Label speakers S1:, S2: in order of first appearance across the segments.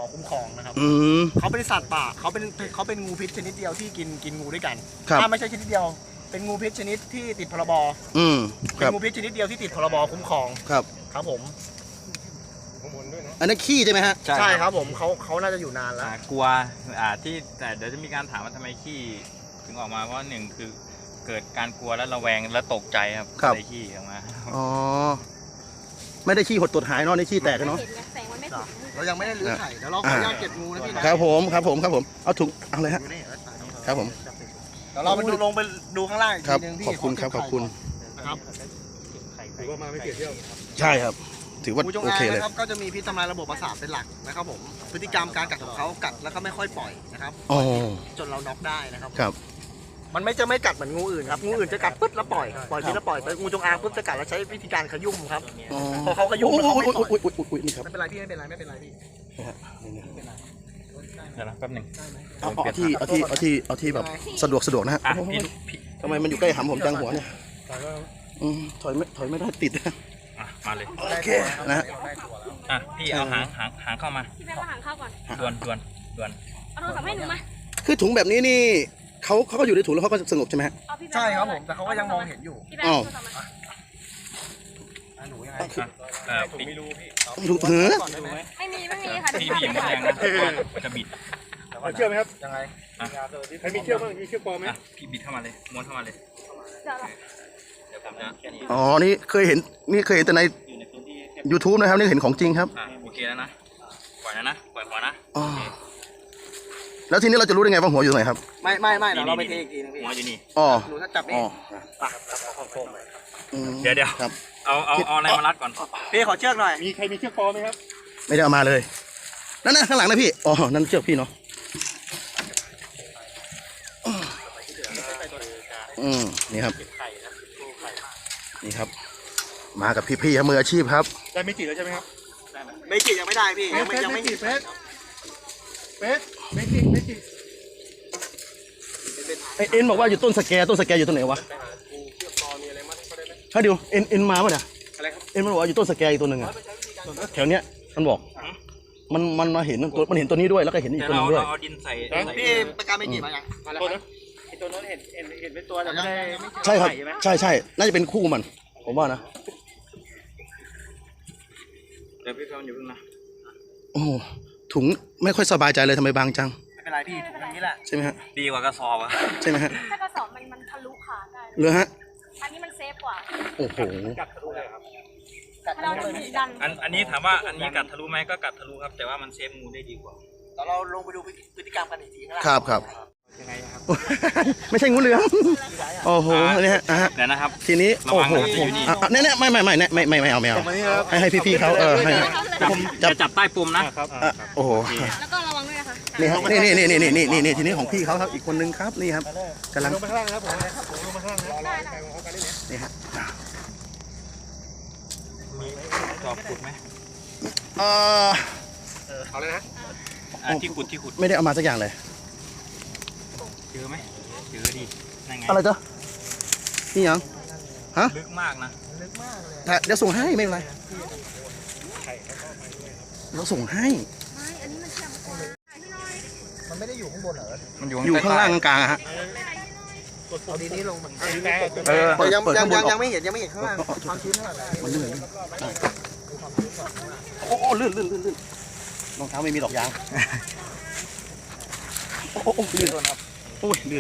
S1: คุ้มครองนะครับเขาเป็นสัตว์ป่าเขาเป็นงูพิษชนิดเดียวที่กินงูด้วยกันไม่ใช่ชนิดเดียวเป็นงูพิษชนิดที่ติดพรบเป็นงูพิษชนิดเดียวที่ติดพรบคุ้มครองครับผม
S2: อันนั้นขี้ใช่ไหมฮะ
S1: ใช่ครับผมเขาน่าจะอยู่นานแล้ว
S3: กลัวที่แต่เดี๋ยวจะมีการถามว่าทำไมขี้ถึงออกมาว่าหนึ่งคือเกิดการกลัวและระแวงและตกใจครับในขี้ออกมา
S2: อ๋อไม่ได้ขี้หดตัวหายเนาะในขี้แตกเนาะ
S1: เรายังไม่ได้ลื้อไข่เดี๋ยวเราขออนุญาตเก็บงูนะพี่นะครับ
S2: ผมเอาถุงเอาเลยฮะครับผม
S1: เดี๋ยวเราไปลงไปดูข้างล่างอีกทีนึงพี่
S2: ขอบคุณครับ
S1: ครับ
S4: ถือว่ามาไม่เสียเที่ยว
S2: ใช่ครับถือว่าโอเคเลย
S1: ครับก็จะมีพิษทำลายระบบประสาทเป็นหลักนะครับผมพฤติกรรมการกัดของเขากัดแล้วก็ไม่ค่อยปล่อยนะครับจนเราน็อกได้นะครับมันจะไม่กัดเหมือนงูอื่นครับงูอื่นจะกัดปึ๊บแล้วปล่อยพิษแล้วปล่อยแต่งูจงอางปึ๊บจะกัดแล้วใช้วิธีการขยุ่มครับพอเขาขยุ่มแล้วเขาไม่ปล่อย
S2: นี่ครับ
S1: ไม่เป็นไรพี่ไม่เป็นไรเ
S3: ด
S1: พี่
S3: ๋ยวนะแป๊บหนึ่ง
S2: เอาที่แบบสะดวกนะฮะทำไมมันอยู่ใกล้หำผมจังหัวเนี่ยถอยไม่ได้ติด
S3: มาเลย
S2: โอเคนะ
S3: พี่เอาหางเข้ามา
S5: พี่แม่มาหางเข้าก่อน
S3: ด่วน
S5: เอาโทรศัพท์ให้หนูมา
S2: คือถุงแบบนี้นี่เขาก็อยู่ในถุงแล้วเขาก็สงบใช่ไหมฮะ
S1: ใช่ครับผมแต่เขาก็ยังมองเห็นอยู่
S2: อ๋อ
S1: หนูยังไง
S3: ผมไม่รู้พี่
S5: ไม่มีค่ะ
S3: พี่อย่ามาแรงนะจะบิด
S4: เชื่อไหมครับ
S1: ยังไง
S4: ใครมีเชื่อบ้างมีเชื่อปลอมไหม
S3: พี่บิดเข้ามาเลยม้วนเข้ามาเลยเดี๋ยวผมนะ
S2: อ๋อนี่เคยเห็นแต่ใน YouTube นะครับนี่เห็นของจริงครับ
S3: โอเคแล้วนะปล่อยหัวนะ
S2: แล้วทีนี้เราจะรู้ได้ไงว่าหัวอยู่ตรงไหนครับ
S1: ไม่เราไปเทอีกทีนึงพี่
S3: หัวอยู่นี่
S1: หนูถ้าจับนี่
S3: เดี๋ยว
S2: ครับ
S3: เอาอะไรมารัดก่อน
S1: พี่ขอเชือกหน่อย
S4: มีใครมีเชือกปลอมไหมครับ
S2: ไม่ได้เอามาเลยนั่นข้างหลังนะพี่อ๋อนั่นเชือกพี่เนาะนี่ครับมากับพี่มืออาชีพครับ
S4: ได้ไม่จีแล้วใช่ไหมครับ
S1: ไม่จียังไม่ได้พี่ยังไม่จี
S4: เ
S2: อ็นบอกว่าอยู่ต้นสแกอยู่ตรงไหนวะถ้าเดี๋ยวเอ็นมาป่ะเนี่ยเอ็นมันบอกว่าอยู่ต้นสแกอีกตัวหนึ่งอะแถวเนี้ยมันบอกมันมาเห็นมันเห็นตัวนี้ด้วยแล้วก็เห็นอีกตัวนึงด้วย
S3: เอาดินใส่
S1: พี่ประกาศไม่จีมาอย่าง
S4: ตัวนั้นเห็นเป็นตัวแต่ไม่ได้
S2: ใช่ครับใช่น่าจะเป็นคู่มันผมว่านะ
S3: เดี๋ยวพี่เขาอยู่พึ่งนะ
S2: โอ้ถุงไม่ค่อยสบายใจเลยทำไมบางจัง
S1: ไม่เป็นไรพี่ถุงนี้แหละ
S2: ใช่ไหมฮะ
S3: ดีกว่ากระสอบอะ
S2: ใช่ไหมฮะ
S5: ถ้ากระสอบมันทะลุขาได้
S2: เลยฮะ
S5: อันนี้มันเซฟกว่า
S2: โอ้โห
S4: กัดทะลุเลยครับ
S5: เราดัน
S3: อันนี้ถามว่าอันนี้กัดทะลุไหมก็กัดทะลุครับแต่ว่ามันเซฟงูได้ดีกว่า
S1: เราลงไปดูพฤติกรรมกันอีกที
S2: ครับ
S1: ยังไงครับ
S2: ไม่ใช่งูเหลือมโอ้โหนี่ฮะ
S3: เดี๋ยวนะครับ
S2: ทีนี้โอ้โหเนี่ยไม่เอาให้พี่เขาให้
S3: ผมจะจับใต้ปุ่มนะครับ
S2: โอ้โห
S5: แล้วก็ระวังด้วยนะคะ
S2: นี่ครับนี่ทีนี้ของพี่เขาครับอีกคนนึงครับนี่ครับกำลัง
S4: ลงไปข้างล่างครับผมลงไปข้างล่าง
S2: นี่ฮะ
S3: มีจอบขุดไหม
S4: เอาเลยนะ
S3: ที่ขุด
S2: ไม่ได้เอามาสักอย่างเลย
S3: เจอไหมเจอดี
S2: อะไรจ๊ะนี่ยังฮะ
S3: ลึกมากนะ
S1: ลึกมากเลย
S2: แต่เดี๋ยวส่งให้ไม่เป็นไรเราส่งให้
S5: อันนี้มันเชื่อม
S1: มันไม่ได้อยู่ข้างบนเหรอ
S3: มัน
S2: อยู่ข้างล่างกลางฮะ
S1: เอาดีนี้ลงยังไม่เห็นข้างล่างความชื้นเท่าไหร่
S2: มันลื่นโอ้ลื่นรองเท้าไม่มีดอกยางโอ้ลื่นครับโอ้ยลื่น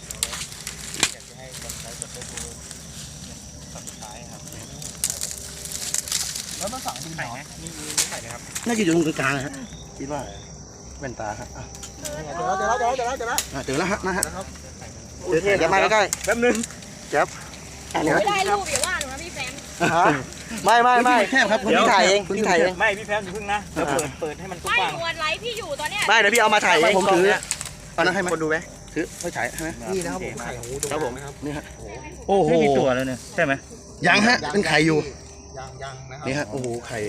S1: แล้วมันสั่งดินไหนนี่ไข่นะครับ
S2: น่าจะอยู่ตรงกลางฮะคิดว่าแว่นตาครับ
S1: เจอแล้ว
S2: ฮะนะฮะ
S1: เดี๋ยวมาใกล้
S4: แป๊บนึง
S1: เจ็บ
S5: ไม่ได้รูปอย่าว่าหนูนะพี่แฟม
S1: ไม่
S2: แค่ครับ
S1: พี่ถ่ายเอง
S3: ไม่พี่แฟมอยู่พึ่งนะเดี๋ยวเปิดให้มันกว้าง
S5: ไม่วันไลฟ์พี่อยู่ตอนเนี้ย
S1: ไม่เดี๋ยวพี่เอามาถ่ายเอง
S2: ผมถือเอานะให้คนดูไหมถือไม่ถ่ายใช่ไหม
S1: นี่นะครับผมไข่ของงูครับผม
S2: นี่ฮะโอ้โห
S3: มีตัวแล้วเนี่ยใช่ไหม
S2: ยังฮะเป็นไข่อยู่
S1: ยังนะครับ
S2: นี่ฮะโอ้โหไข่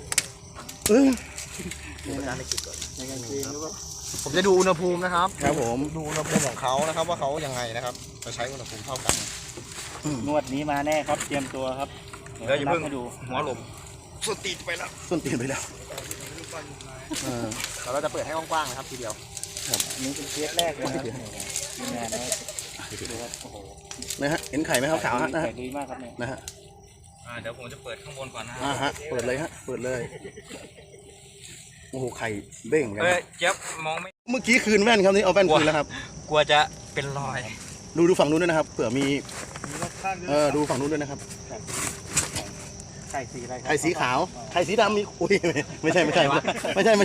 S1: ผมจะดูอุณหภูมินะครับ
S2: ครับผม
S1: ดูอุณหภูมิของเขานะครับว่าเขายังไงนะครับจะใช้อุณหภูมิเท่ากัน
S3: นวดนี้มาแน่ครับเตรียมตัวครับเดี๋ยวอย่าเพิ่งดูหัวหลบ
S2: ส้นตีนไปแล้ว
S1: เราจะเปิดให้กว้างๆนะครับทีเดียว
S4: นี่เป็นเคสแรกเลยครับงานนี้โอ้โห
S2: นะฮะเห็นไข่ไหมครับขาวฮะนะฮะ
S4: ดีมากครับเนี่ย
S2: นะฮะ
S3: เดี๋ยวผมจะเปิดข้างบนก่อนนะ
S2: ฮะเปิดเลยฮะเปิดเลยโอ้โหไข่เบ้งเลยนะ
S3: เจี๊ยบมองไม่
S2: เมื่อกี้คืนแว่นครับนี่เอาแว่นคืนแล้วครับ
S3: กลัวจะเป็นรอย
S2: ดูฝั่งนู้นด้วยนะครับเผื่อมีดูฝั่งนู้นด้วยนะครับ
S4: ไข่สีอะไรครับ
S2: ไข่สีขาวไข่สีดำมีอุ้ยไม่ใช่ไข่ดำไม่ใช่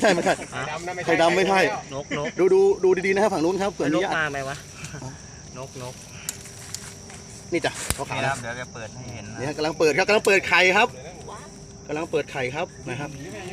S1: นก
S2: ดูดีๆนะครับฝั่งนู้นครับเผื่อมี
S1: มาไหมวะนก
S2: นี่จ้ะเขาขาว
S3: นี่
S2: นะ
S3: ครับเดี๋ยวจะเปิดให้เห็นนะ
S2: นี่ฮะกำลังเปิดครับกำลังเปิดไข่ครับกำลังเปิดไข่ครับนะครับ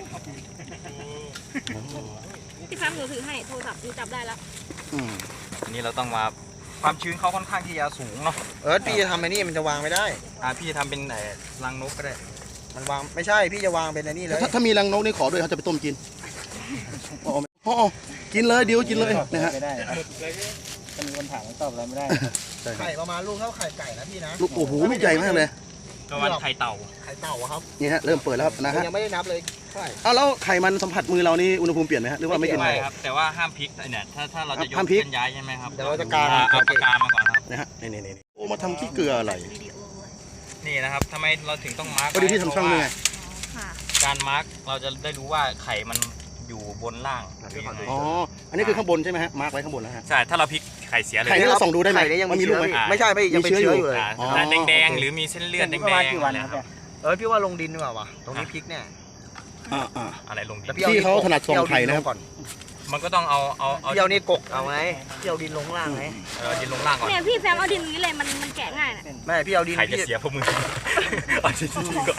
S5: พี่แฟมหนูถือให้โทรศัพท์หนูจับได้แล้ว
S3: อันนี้เราต้องมาความชื้นเขาค่อนข้างที่จะสูงเนาะ
S1: พี่จะทำไอ้นี่มันจะวางไม่ได้
S3: พี่จะทำเป็นรังนกก็ได้
S1: มันวางไม่ใช่พี่จะวางเป็นไอ้นี่เลย
S2: ถ้ามีรังนกนี่ขอด้วยเขาจะไปต้มกินอ๋อกินเลยเดี๋ยวกินเลยนะฮะ
S4: ไม่ได้ถ้ามีคนถามตอบอะไรไม่ได้
S1: ไข่ประมาณลูกเท่าไข่ไก่นะพี่นะ
S2: ลูกโอ้โหลูกใหญ่มากเลย
S3: ประมาณไข่เต่า
S1: ไข่เต่าครับ
S2: นี่ฮะเริ่มเปิดแล้วครับนะฮะ
S1: ยังไม่ได้นับเลยเท่าไหร่
S2: เอาแล้วไข่มันสัมผัสมือเรานี่อุณหภูมิเปลี่ยนไหมฮะหรือว่าไม่เปลี่ยน
S3: ไม่ครับ แต่ว่าห้ามพลิกเนี่ยถ้าเราจะยก
S2: ห้ามพลิก
S3: เคลื่อนย้ายใช่ไหมครับ
S1: เดี๋ยวเราจะกาง
S3: เอาปากกามาก่อนครับ
S2: นะฮะนี่โอ้มาทำขี้เกลืออะไร
S3: นี่นะครับทำไมเราถึงต้องมาร์ก
S2: พอดีที่ทำช่องด้วยไง
S5: ค่ะ
S3: การมาร์กเราจะได้รู้ว่าไข่มันอยู่บนล่างหรือยังไง
S2: อ๋ออันนี้คือข้างบนใช่ไหมฮะมาร์กไว้ข้างบนแล้วฮะ
S3: ใช่ถ้าเราพลิกไข่เสียเลย
S2: ไข่นี่เราส่องดูได้ไหม
S1: ไข่นี่ยัง
S2: มันมี
S1: มี
S2: ลู
S1: เชื้
S2: ก
S1: อ
S2: ไหม
S1: ไม่ใช่ไม่ยังเป็น
S2: มีเชื้
S1: เชื้
S2: อ
S1: อ
S2: อ
S1: อยู่ ยู่เลย
S2: อ๋อ
S3: แดงๆหรือมีเส้นเลือดแดง
S4: ประมาณกี่
S3: ๆ
S4: วัน
S3: นะ
S4: ค
S3: ค
S4: รั
S3: รั
S4: บบ
S1: พี่ว่าลงดินดีกว่าวะตรงนี้พริกเนี่ย
S3: อะไรลงดิ
S1: แต่
S3: น
S1: พี่
S2: ที่เขาถนัดส่องไข่นะครับ
S1: ก่อน
S3: มันก็ต้องเอา
S1: พี่เอานี่กกเอาไงพี่เอาดินลงข้างล่างไง
S3: ดินลงล่างก่อน
S5: เนี่ยพี่แฟมเอาดินนี้เลยมันแกะง่ายน่ะ
S1: ไม่พี่เอาดิน
S3: ไข่จะ
S1: พี่
S3: เสียเพราะมือเอาจริงๆก่อน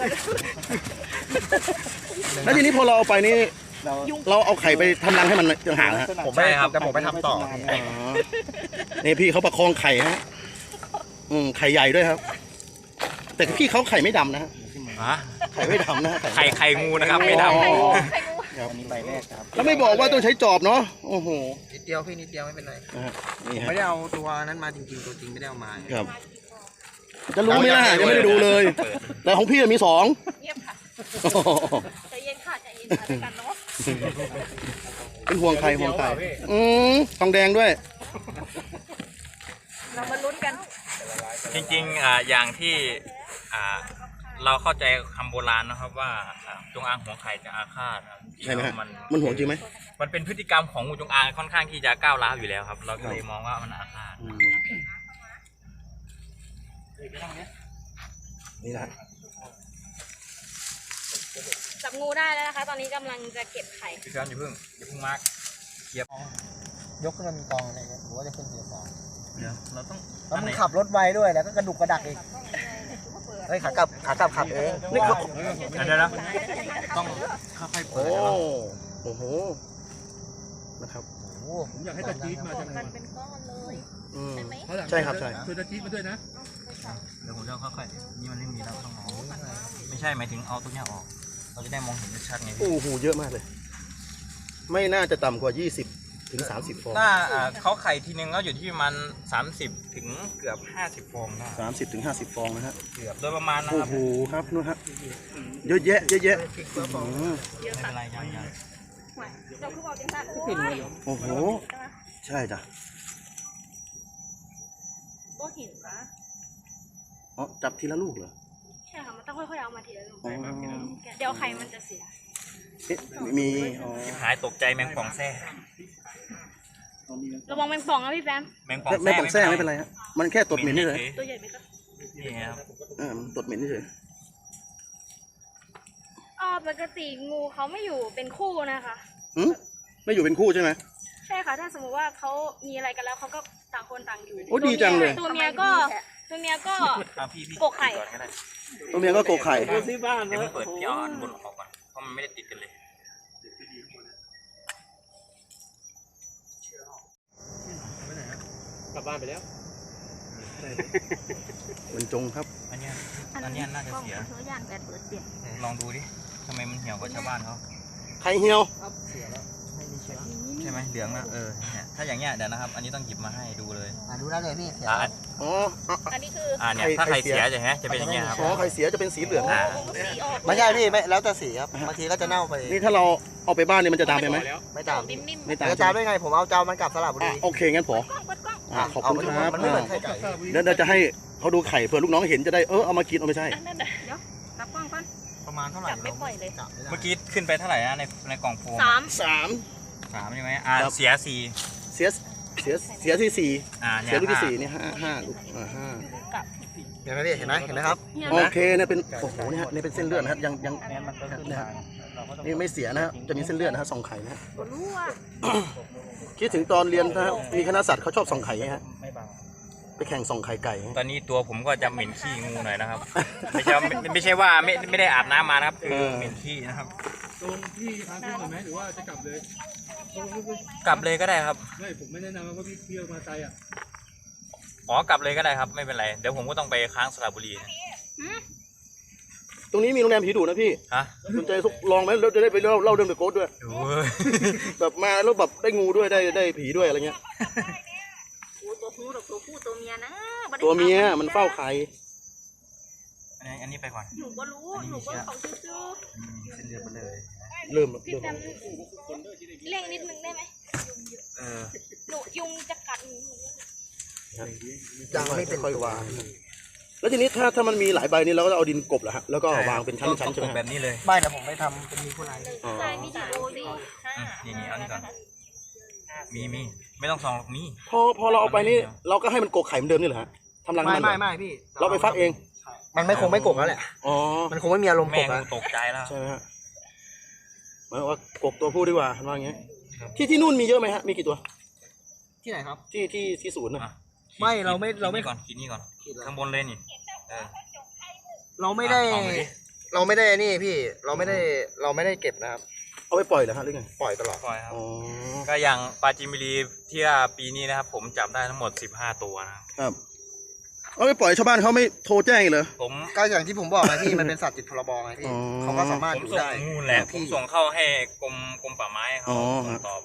S2: แล้วทีนี้พอเราเอาไปนี่
S4: เรา
S2: เราเอาไข่ไปทำรังให้มันต่างหากนะฮะ
S1: ผมไม่แต่ผมไปทำต่อ
S2: อ๋อนี่พี่เขาประคองไข่ฮะไข่ใหญ่ด้วยครับ แต่พี่เขาไข่ไม่ดำนะฮะ
S3: ฮะ
S2: ไข่ไม่ดำนะฮะ
S3: ไข่งูนะครับไม่ด
S2: อ๋อ
S4: อันนี้ใบแรกครับ
S2: แล้วไม่บอกว่าต้องใช้จอบเนาะโอ้โห
S1: นิดเดียวพี่นิดเดียวไม่เป็นไร
S2: นะฮะนี่
S1: ผม
S2: ฮะ
S1: ไม่ได้เอาตัวนั้นมาจริงๆตัวจริงไม่ได้เอามา
S2: ครับจะรู้ไหมล่ะยังไม่ได้ดูเลย แต่ของพี่มีสอง
S5: เงียบค่ะใจเย็นค่ะใจเย็นค่ะด้วยกันเนาะ
S2: เป็นห่วงไข่ทองแดงด้วย
S5: เรามาลุ้นกัน
S3: ำจริงๆอย่างที่เราเข้าใจคำโบราณนะครับว่าจงอางหัวไข่จะอาฆาตนะครับ
S2: ใช่ไหมฮะ
S3: มัน
S2: มันห่วงจริงไหม
S3: มันเป็นพฤติกรรมของงูจงอางค่อนข้างที่จะก้าวร้าวอยู่แล้วครับ เราก็เลยมองว่ามันอาฆาต
S2: นี่นะ
S5: จับงูได้แล้วนะคะ ตอนนี้กำลังจะเก็บไข่
S3: พี่เพื่อนอย่าเพิ่งมาร์กเกียบ
S1: ยกขึ้นมาเป็นกองอะไรเงี้ยหรือว่าจะขึ้นเสียสอง
S3: เดี๋ยวเราต้อง
S1: แล้วมึงขับรถไวด้วยแล้วก็กระดุกกระดักอีกเฮ้ยขากลับขับเองนี่เขา
S3: เดี๋ยวต้องค่อยๆเปิ
S2: โอ้
S3: ด
S2: โอ้โหนะครับ
S4: ผมอยากให้ตะจี๊ดมาจังเลย
S5: มันเป็นก้อนเลย
S2: ใช่ครับใช่
S4: ช่วยตะจี๊ดมาด้วยนะ
S3: เดี๋ยวผมจะค่อยๆนี่มันไม่มีแล้วต้องเอาไม่ใช่หมายถึงเอาตัวเนี้ยออก เราจะได้มองเห็นชัดๆไงพี่
S2: โอ้โหเยอะมากเลย ไม่น่าจะต่ำกว่า20ถึง30ฟอง
S3: หน้าเขาไข่ทีนึงก็อยู่ที่ประมาณ30ถึงเกือบ50ฟองได้
S2: 30ถึง50ฟองนะฮะ
S3: เกือบโดยประมาณนะ
S2: โอ้
S3: ครับ
S2: โหครับนู่นฮะเยอะแยะอืม
S5: เยอะ
S3: ไม่
S5: สั
S3: เป็
S5: ต
S3: น
S5: ว์
S3: ไรยัง
S5: เราคือบอกจังสัตว์
S2: โอ้โหใช่จ้ะ
S5: ก็เห็นนะ
S2: อ๋อจับทีละลูกเหรอ
S5: ใช่ค่ะมันต้องค่อยๆเอามาทีละลูก
S2: อ๋อ
S5: เดี๋ยวไข่มันจะเสีย
S2: เอ๊ะมีอ๋อ
S3: หายตกใจแมงป่องแซ่
S5: ระวังแมงป่องนะพี่แฟม
S3: แมงป่อง
S2: ไม่ปองแซ่ไม่เป็นไรฮะมันแค่ตดเหม็นนี่เลย
S5: ตัวใหญ่ไหมก็
S3: นี่ครับ
S2: มันตดเหม็นนี่เลย
S5: ปกติงูเขาไม่อยู่เป็นคู่นะคะ
S2: ไม่อยู่เป็นคู่ใช่ไหม
S5: ใช่ค่ะ ถ้าสมมติว่าเขามีอะไรกันแล้วเขาก็ต่างคนต่างอยู่
S2: โอ้ดีจังเลย
S5: ตัวเมียก็
S3: พี่
S5: กกไข่
S3: ก่อนก็ได้
S2: ตัวเมียก็โกกไข่
S3: เดี๋ยวเพิ่งเปิดพี่เอาอันบนออกก่อนเพราะมันไม่ได้ติดกันเลย
S4: กลับบ้านไปแล้ว
S2: บรรจงครับ
S3: อันเนี้ยน่าจะเสีย
S5: ตัวอย่างแบบเปิดเสียง
S3: ลองดูดิทำไมมันเหี่ยวกว่าชาวบ้านเขา
S2: ไข่เหี่ยว
S3: ใช่ไหมเหลืองนะเนี่ยถ้าอย่างเงี้ยเดี๋ยวนะครับ อันนี้ต้องหยิบมาให้ดูเลย
S1: ดูได้เลยพี่เสีย
S2: อ๋อ
S5: อันนี้คือ
S3: เนี่ยถ้าใครเสียจะจะเป็นอย่างเงี้ยครับ
S2: อ๋อไข่เสียจะเป็นสีเหลือง
S5: สีออก
S1: ไม่ใช่พี่ไม่แล้วแต่สีครับบางทีก็จะเน่าไป
S2: นี่ถ้าเราเอาไปบ้านนี่มันจะดำไปไหม
S1: ไม่ตาม
S5: นิ่มๆ
S2: ไม่ตาม
S1: จะตามได้ไงผมเอาเจ้ามันกลับสระบุรี
S2: โอเคงั้นพอ
S5: กล้องเปิดกล้อง
S2: ขอบคุณครับ
S1: มันไม่เหมือนไข่ไก่
S2: เดี๋ยวจะให้เขาดูไข่เผื่อลูกน้องเห็นจะได้เอามากินเอาไม่ใช่
S5: อันนั้นเดี๋ยวรับกล้องก่อน
S1: ประมาณเท่าไหร่
S5: จับไม่ปล่อยเลย
S3: เมื่อกี้ขึ้นไปเท่าไหร่นะในกล่องโฟม
S5: 3
S3: 3ใช่ไหม
S2: ครับ
S3: เสีย
S2: เสียที่สี่
S3: 4
S2: เสียลูกที่สี่นี่ห้าลูกห้า
S1: เห็นไหมพี่เห็นไหมครับ
S2: โอเคเนี่ยเป็นโอ้โหเนี่ยนี่เป็นเส้นเลือดนะครับยังนะฮะนี่ไม่เสียนะฮะจะมีเส้นเลือดนะฮะส่องไข่นะฮะ
S5: รู้ว่า
S2: คิดถึงตอนเรียนนะฮะมีคณะสัตว์เขาชอบส่องไข่ฮะไปแข่งส่องไข่ไก่ฮะ
S3: ตอนนี้ตัวผมก็จะเหม็นขี้งูหน่อยนะครับ ไม่ใช่ว่าไม่ได้อาบน้ำมานะครับคือเหม็นขี้นะครับ
S6: ตรงพี่พาขึ้นก่อนไหมหรือว่าจะกลับเลย
S3: กลับเลยก็ได้ครับ
S6: ไม่ผมไม่แนะนำว่าพี่เที่ยวมาไกลอ่ะ
S3: กลับเลยก็ได้ครับไม่เป็นไรเดี๋ยวผมก็ต้องไปค้างสระบุรีนะ
S2: ตรงนี้มีโรงแรมผีดุนะพี่
S3: ฮะ
S2: สนใจลองไหมแล้วจะได้ไปเล่าเรื่องเดอะโกสต์ด้วย
S3: ดูเว้ย
S2: แบบมาแล้วแบบได้งูด้วยได้ผีด้วยอะไรเงี้ย
S5: ตัวผู้ตัวเมียนะ
S2: ตัวเมียมันเฝ้าไข่
S3: อันนี้ไปก่อน
S5: หนูก็รู้หนูก็ของซื้อ
S3: เส้นเลือดไปเลย
S2: เริ่ม
S5: พี่แซมเร่งนิดนึงได้ไหมหนูยุงจะกัดหนู
S1: ยังไม่เป็น
S2: ค่อยๆวางแล้วทีนี้ถ้ามันมีหลายใบนี่เราก็จะเอาดินกลบเหรอฮะแล้วก็วางเป็นชั้นๆใช่ไหม
S3: แบบนี้เลย
S1: ไม่แต่ผมไม่ทำเป็นมีผู้ไร
S2: อ๋อ
S5: ใช่มีดีโอดี
S3: นี่เอานี่ก่อนมีไม่ต้องซองหรอกมี
S2: พอเราเอาไปนี่เราก็ให้มันกกไข่เหมือนเดิมนี่เหรอฮะทำรังมันเหรอ
S1: ไม่พี่
S2: เราไปฟักเอง
S1: มันไม่คงไม่กบแล้วแหละ
S2: อ๋อ
S1: มันคงไม่มีอารมณ์ก
S3: แม่
S1: บ
S3: งู
S1: แล้ว
S3: ตกใจแล้ว
S2: ใช่ไหมฮะหมายว่ากกตัวผู้ดีกว่าว่าอย่างเงี้ยที่นู่นมีเยอะไหมฮะมีกี่ตัว
S1: ที่ไหนครับ
S2: ที่ศูนย์นะ
S1: ไม่เราไม่
S3: ก่อนกินนี่ก่อนข้างบนเลยนี่
S1: เราไม่ได้
S3: เอาไปดิ
S1: เราไม่ได้นี่พี่เราไม่ได้เก็บนะครับ
S2: เอาไปปล่อยเหรอฮะหรือไง
S1: ปล่อยตลอด
S3: ปล่อยครับ
S2: อ๋อ
S3: ก็อย่างปลาจิมบุรีที่ว่าปีนี้นะครับ ผมจับได้ทั้งหมด15ตัวนะครับ
S2: ครับเอาไปปล่อยชาวบ้านเขาไม่โทรแจ้งอีกเหรอ
S3: ผม
S1: ก็อย่างที่ผมบอกไงพี่มันเป็นสัตว์ติดพรบไงพี่
S2: อ๋อ
S1: เขาก็สามารถ
S3: ผม
S1: อยู่
S3: ส่ง
S1: ได้
S3: งูแหละผมส่งเข้าให้กรมป่าไม้เขา
S2: อ๋อ
S3: ส่งต่อไป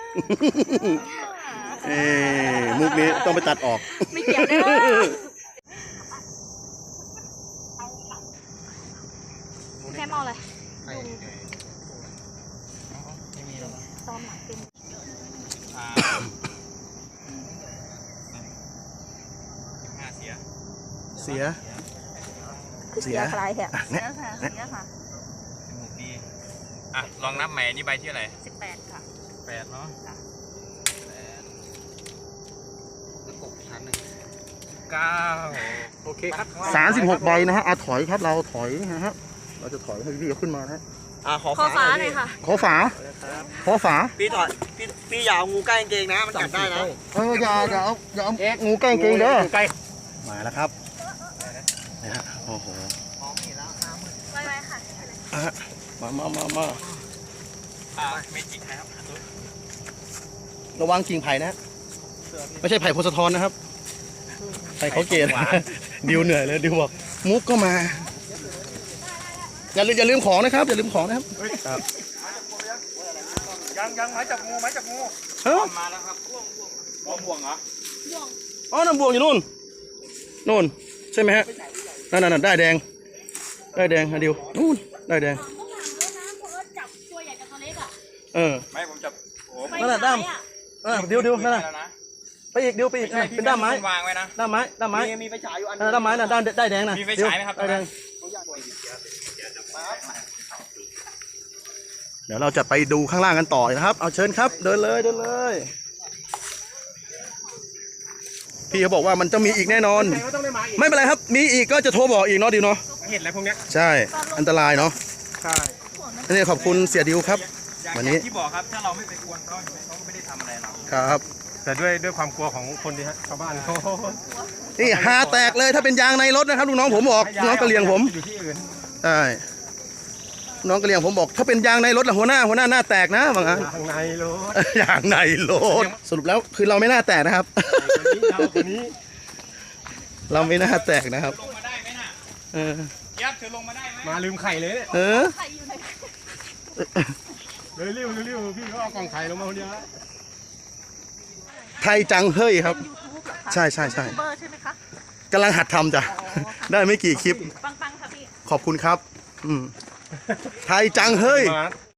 S2: มุกนี้ต้องไปตัดออก
S5: ไม่เกี่ยวเลยแค่เมาอะไรตอนหลังเป็น
S3: 15เสีย
S2: เสีย
S5: คือเสียคลายแหบเสียค่ะเสียค่ะ
S3: จมูกดีลองนับใหม่นี่ใบที่อะไร
S5: 18 ค่ะ
S3: 8เนาะ
S1: กบชั้นหนึ่ง
S3: 9
S1: โอเคครับ
S2: 36 ใบนะฮะถอยครับเราถอยนะฮะเราจะถอยให้พี่เขาขึ้นมานะฮะ
S1: ขอ
S5: ข้อฟ้า
S1: ห
S5: ห
S1: น่
S5: น่
S1: อ
S5: อย ย
S1: ค่ะ
S5: ค่ะ
S2: ขอฝา
S1: พี่ถอยพี่อย่าเอางูใกล้กางเกงนะมันกัดได้นะ
S2: อย่าเอางูใกล้เกงเด้อมาแล้วครับนะฮะโอ้โห
S1: มองเห็นแล้วน้ำมืด
S5: ไว้ค่ะ
S2: มา
S3: เมจิกครับ
S2: ระวังกิ่งไผ่นะไม่ใช่ไผ่โพสะทอนนะครับไผ่เขาเกตดิวเหนื่อยเลยดิวบอกมุกก็มาอย่าลืมของนะครับอย่าลืมของนะครับครับ
S6: ยังไม้จับงู
S2: เฮ้ย
S3: มาแล้วครับบ่วงเหรอ
S2: อ๋อน้ำบวงอยู่นู่นใช่ไหมฮะนั่นได้แดงฮะดิวนู่นได้แดง
S5: ต้องถามด้วยนะเพราะว่าจับตัวใหญ่กับตัวเล็กอ่ะ
S3: ไม่ผมจับโอ้
S2: นั่นแหละด้ามดิวนั่นน่ะไปอีกดิวไปอีกเป็นด้ามไม้
S3: วางไว้นะ
S2: ด้ามไม้
S1: มีไฟฉายอยู่อัน
S2: ด้ามไม้น่ะด้านได้แดงน่ะ
S3: มีไฟฉายไหมครับ
S2: ได้แดงเดี๋ยวเราจะไปดูข้างล่างกันต่อนะครับเอาเชิญครับเดินเลยพี่เขาบอกว่ามันจะมีอีกแน่นอน ไม่เป็นไรครับมีอีกก็จะโทรบอกอีกเนาะดิวเนาะ
S6: เห็นอะไรพวกเนี้ย
S2: ใช่อันตรายเนาะ
S6: ใช่
S2: นี่ขอบคุณเสียดิวครับ
S3: อย่าง
S2: วันนี้
S3: ที่บอกครับถ้าเราไม่ไปกวนเขาก็ไม่ได้ทำอะไรเรา
S2: ครับ
S6: แต่ด้วยความกลัวของคนที่ชาวบ้านเขา
S2: นี่หาแตกเลยถ้าเป็นยางในรถนะครับลูกน้องผมบอกน้องกระเลียงผม
S6: อยู่ที่อื่น
S2: ใช่น้องกระเลียงผมบอกถ้าเป็นยางในรถละหัวหน้าหน้าแตกนะบางอัน
S6: ทางในรถ
S2: ยางในรถสรุปแล้วคือเราไม่น่าแตกนะครับ
S6: คนนี้
S2: เราไม่น่าแตกนะครับ
S3: ลงมาได้ไหมน่ะ
S2: เออ
S3: ยับเธอลงมาได้ไหม
S6: มาลืมไข่เลยเนี่ย
S2: เออ
S5: ใครอยู่ไหน
S6: เลยริ้วพี่ก็เอากล่องไข่ลงมาคนเดียว
S2: ไทยจังเฮ้ยครับ
S5: ยูทูบเหรอคะ
S2: ใช่ใช่ใช่
S5: ยูทูบเบอร์ใช่ไหมคะ
S2: กำลังหัดทำจ้ะ ได้ไม่กี่คลิป
S5: ปังๆค่ะพี่
S2: ขอบคุณครับ ไทยจังเฮ้ย
S6: มา